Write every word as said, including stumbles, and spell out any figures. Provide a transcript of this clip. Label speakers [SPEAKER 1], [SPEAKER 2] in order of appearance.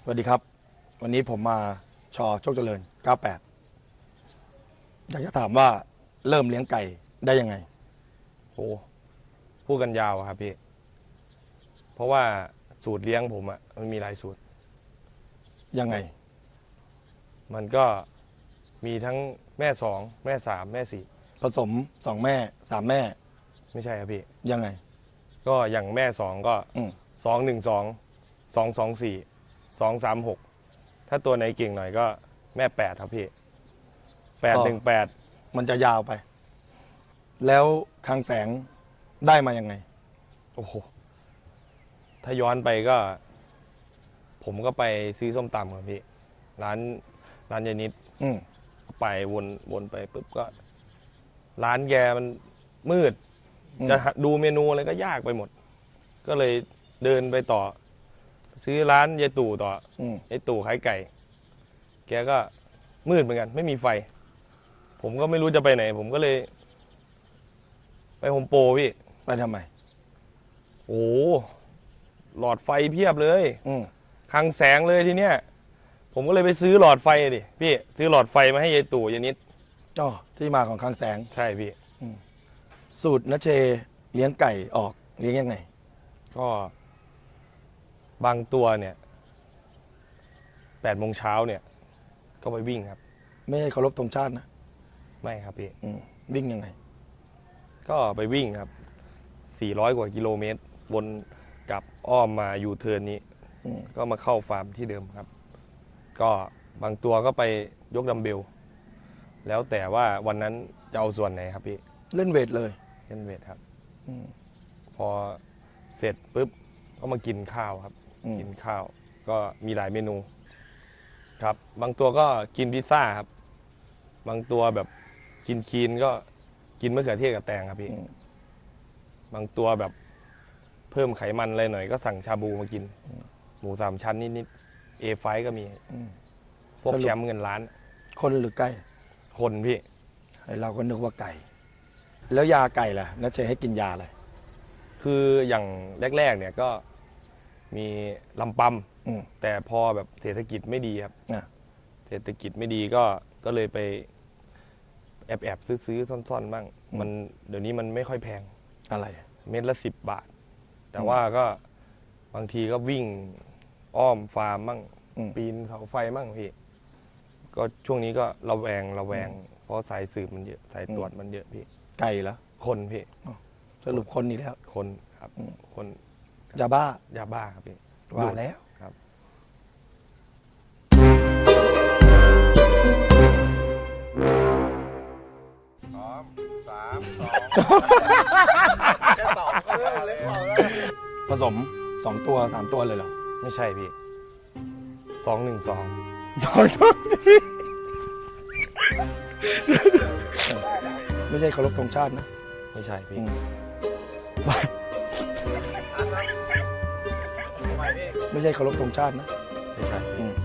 [SPEAKER 1] สวัสดีครับวันนี้ผมมาชอโชคเจริญเก้าแปดอยากจะถามว่าเริ่มเลี้ยงไก่ได้ยังไง
[SPEAKER 2] โอ้พูดกันยาวครับพี่เพราะว่าสูตรเลี้ยงผมอะมันมีหลายสูตร
[SPEAKER 1] ยังไง
[SPEAKER 2] มันก็มีทั้งแม่สองแม่สามแม่สี่
[SPEAKER 1] ผสมสองแม่สามแม่
[SPEAKER 2] ไม่ใช่ครับพี่
[SPEAKER 1] ยังไง
[SPEAKER 2] ก็อย่างแม่สองก็สองหนึ่งสองสองสองสี่สองสามหกถ้าตัวไหนเก่งหน่อยก็แม่แปดครับพี่แปดหนึ่งแปด
[SPEAKER 1] มันจะยาวไป แล้วคลังแสงได้มายังไง
[SPEAKER 2] โอ้โหถ้าย้อนไปก็ ผมก็ไปซื้อส้มตำครับพี่ร้านร้านยายนิดไปวนวนไปปุ๊บก็ ร้านแกมันมืดจะดูเมนูอะไรก็ยากไปหมด ก็เลยเดินไปต่อ ซื้อร้านยายตู่ต่อยายตู่ขายไก่ แกก็มืดเหมือนกัน ไม่มีไฟ ผมก็ไม่รู้จะไปไหน ผมก็เลย ไปโฮมโปรพี่
[SPEAKER 1] ไปทำไม
[SPEAKER 2] โอ้หลอดไฟเพียบเลยคลังแสงเลยทีเนี้ยผมก็เลยไปซื้อหลอดไฟดิพี่ซื้อหลอดไฟมาให้ยายตู่ยายนิด
[SPEAKER 1] อ๋อที่มาของคลังแสง
[SPEAKER 2] ใช่พี่
[SPEAKER 1] สูตรณเชเลี้ยงไก่ออกเลี้ยงยังไง
[SPEAKER 2] ก็บางตัวเนี่ยแปดโมงเช้าเนี่ยก็ไปวิ่งครับ
[SPEAKER 1] ไม่ให้เคารพธงชาตินะ
[SPEAKER 2] ไม่ครับพี่
[SPEAKER 1] วิ่งยังไง
[SPEAKER 2] ก็ไปวิ่งครับสี่ร้อยกว่ากิโลเมตรวนกลับอ้อมมายูเทิร์นนี้ก็มาเข้าฟาร์มที่เดิมครับก็บางตัวก็ไปยกดัมเบลแล้วแต่ว่าวันนั้นจะเอาส่วนไหนครับพี่
[SPEAKER 1] เล่นเวทเลย
[SPEAKER 2] เล่นเวทครับพอเสร็จปุ๊บก็มากินข้าวครับกินข้าวก็มีหลายเมนูครับบางตัวก็กินพิซซ่าครับบางตัวแบบกินคีนก็กินมะเขือเทศกับแตงครับพี่บางตัวแบบเพิ่มไขมันอะไรหน่อยก็สั่งชาบูมากินหมูสามชั้นนิดๆเอไฟก็มีพวกแชมป์เงินล้าน
[SPEAKER 1] คนหรือไก่
[SPEAKER 2] คนพี่
[SPEAKER 1] เราก็นึกว่าไก่แล้วยาไก่ล่ะนัชเชให้กินยาอะไร
[SPEAKER 2] คืออย่างแรกๆเนี่ยก็มีลำปำแต่พอแบบเศรษฐกิจไม่ดีครับเศรษฐกิจไม่ดีก็ก็เลยไปแอบแอบซื้อๆซ่อนๆบ้างมันเดี๋ยวนี้มันไม่ค่อยแพง
[SPEAKER 1] อะไร
[SPEAKER 2] เม็ดละสิบบาทแต่ว่าก็บางทีก็วิ่งอ้อมฟาร์มบ้างปีนเสาไฟบ้างพี่ก็ช่วงนี้ก็ระแวงระแวงเพราะสายสืบมันเยอะสายตรวจมันเยอะพี่
[SPEAKER 1] ไก่เหรอ
[SPEAKER 2] คนพี่
[SPEAKER 1] สรุปคนนี่แล้ว
[SPEAKER 2] คนครับคน
[SPEAKER 1] ยาบ้าย
[SPEAKER 2] าบ้าครับพี่
[SPEAKER 1] ว่าแล้ว
[SPEAKER 2] ครับ
[SPEAKER 3] สองสามสองแค่สองก็เลิกเล่นเปล่าแล้ว
[SPEAKER 1] ผสมสองตัวสามตัวเลยเหรอ
[SPEAKER 2] ไม่ใช่พี่สองหนึ่งสอง
[SPEAKER 1] สองตัวสี่ไม่ใช่เคารพธงชาตินะ
[SPEAKER 2] ไม่ใช่พี่
[SPEAKER 1] ไม่ใช่เคารพธงชาตินะ
[SPEAKER 2] ไม่ใช่พี่